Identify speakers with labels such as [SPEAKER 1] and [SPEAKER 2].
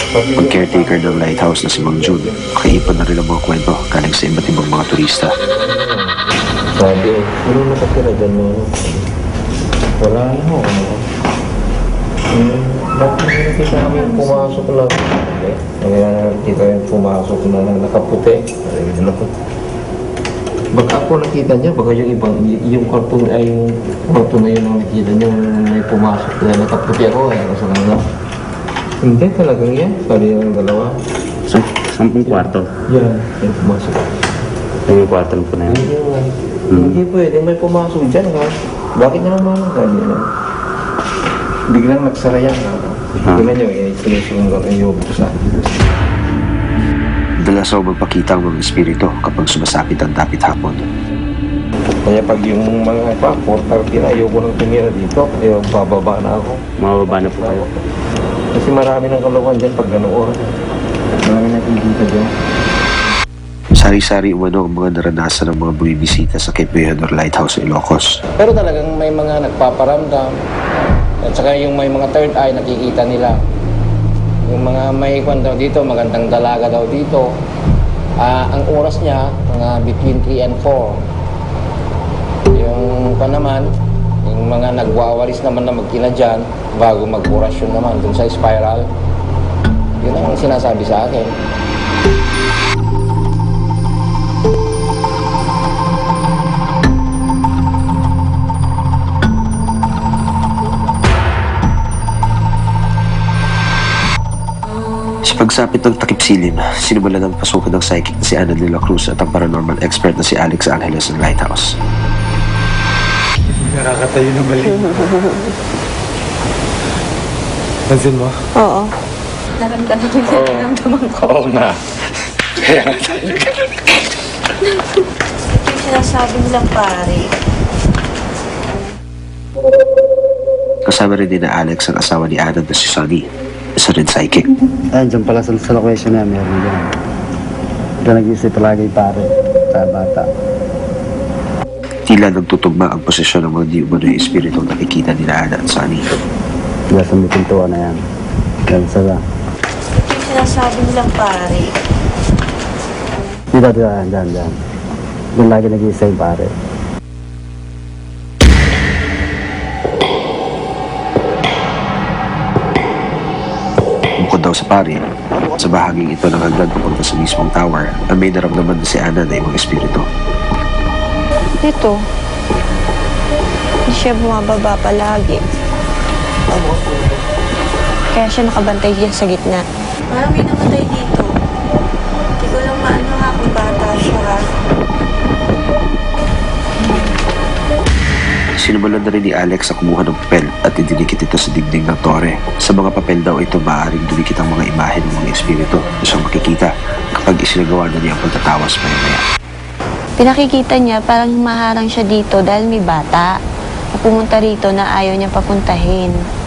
[SPEAKER 1] Ang caretaker ng lighthouse na si Mang Jun, nakaipon na rin ang mga kwento galing sa iba't ibang mga turista.
[SPEAKER 2] Sabi, sino nakatira dyan mo? Wala na ho. Bakit nakikita namin pumasok lang? Nakikita yung pumasok na nakaputi. Baka ako nakita niya, baka yung ibang, yung karton ay yung karton na yun ang nakita niya, may pumasok na nakaputi ako sa kanila. Hindi talagang yan, sabi ng dalawa.
[SPEAKER 3] Sampung kwarto.
[SPEAKER 2] Yan, may pumasok.
[SPEAKER 3] Yung kwarto po na yan.
[SPEAKER 2] Hindi pwede, may pumasok dyan ha. Bakit naman ganyan? Biglang nagsara yan ha. Tingnan nyo, sinusunod yung yubo sa
[SPEAKER 1] Dalas raw magpakita ang mga espiritu kapag sumasapit ang dapit hapon.
[SPEAKER 2] Kaya pag yung mga 4:30 na, ayoko nang tumira dito. Kaya bababa na ako.
[SPEAKER 3] Mababa na po kayo.
[SPEAKER 2] Kasi marami ng kalokohan dyan pag ganoon. Marami natin dito dyan.
[SPEAKER 1] Sari-sari umano ang mga naranasan ng mga bumibisita sa Cape Veador Lighthouse sa Ilocos.
[SPEAKER 4] Pero talagang may mga nagpaparamdam. At saka yung may mga third eye nakikita nila. Yung mga may kwan daw dito, magandang dalaga daw dito. Ang oras niya, mga between 3 and 4. Yung kwan naman, yung mga nagwawalis naman na magkina dyan, bago mag-orasyon naman dun sa spiral. Yun ang sinasabi sa akin.
[SPEAKER 1] Sa pagsapit ng takip silim, sinimulan ng pasukan ng psychic na si Ana de la Cruz at ang paranormal expert na si Alex Angeles ng Lighthouse.
[SPEAKER 5] Nakakatayo na mali. Pansin mo?
[SPEAKER 6] Oo. Naramdaman ko.
[SPEAKER 5] Oo nga. Kaya nga tayo
[SPEAKER 6] Yung sinasabi nilang pare.
[SPEAKER 1] Kasama rin din na Alex ang asawa ni Ana na si Sunny, isa rin psychic.
[SPEAKER 3] Dyan pala sa location na meron dyan. Diyan nag-iisip palagi pare sa bata.
[SPEAKER 1] Tila nagtutugma ang posisyon ng mga di umano'y espiritu nakikita ni Ana at Sunny.
[SPEAKER 3] Diyan sa may pintuan na yan. Diyan sa
[SPEAKER 6] Yung sinasabi nilang pare.
[SPEAKER 3] dito, dyan. Doon lagi nag-iisip pare.
[SPEAKER 1] Bukod daw sa pari, sa bahaging ito ng hagdan papunta sa mismong tower, ang may naramdaman na si Ana na ibang espiritu.
[SPEAKER 6] Dito. Hindi siya bumababa palagi. Kaya siya nakabantay dyan sa gitna. Parang may namatay dito. Hindi ko lang maano ha kung bata siya ha.
[SPEAKER 1] Sinimulan na rin ni Alex sa kumuha ng papel at idinikit ito sa dingding ng tore. Sa mga papel daw ito maaaring dumikit ang mga imahe ng mga espiritu na siyang makikita kapag isinagawa na niya ang pagtatawas maya-maya.
[SPEAKER 6] Pinakikita niya parang maharang siya dito dahil may bata na pumunta rito na ayaw niya papuntahin.